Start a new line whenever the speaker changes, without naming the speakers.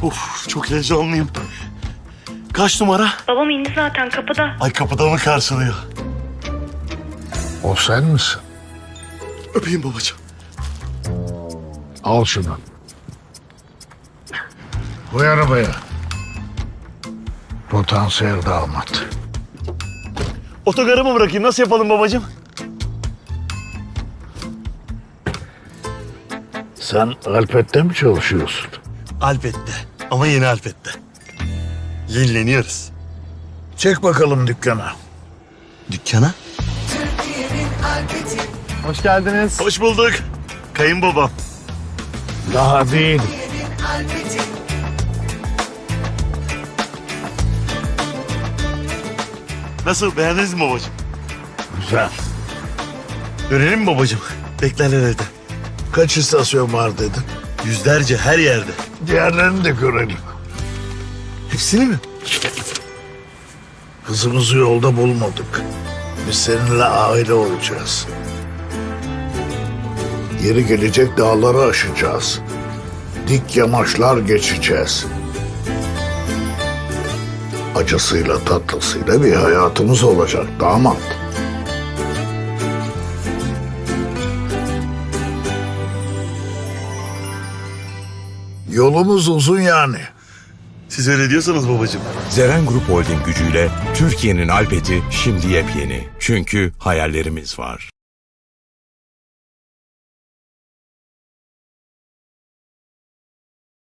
Of, çok heyecanlıyım. Kaç numara?
Babam indi zaten kapıda.
Ay, kapıda mı karşılıyor?
O sen misin?
Öpeyim babacığım.
Al şunu. Koy arabaya. Potansiyel damat.
Otogarı mı bırakayım? Nasıl yapalım babacığım?
Sen Alpet'te mi çalışıyorsun?
Alpet'te. Ama yeni Alpet'te. Yenileniyoruz.
Çek bakalım dükkana.
Dükkana?
Hoş geldiniz.
Hoş bulduk. Kayınbabam.
Daha değil.
Nasıl, beğendiniz mi babacığım?
Güzel.
Dönelim mi babacığım? Beklerler evde.
Kaç istasyon var dedin?
Yüzlerce, her yerde.
Diğerlerini de görelim.
Hepsini mi?
Kızımızı yolda bulmadık. Biz seninle aile olacağız. Yeri gelecek dağları aşacağız. Dik yamaçlar geçeceğiz. Acısıyla tatlısıyla bir hayatımız olacak damat. Yolumuz uzun yani.
Siz öyle diyorsanız babacığım.
Zeren Grup Holding gücüyle Türkiye'nin Alpeti şimdi yepyeni. Çünkü hayallerimiz var.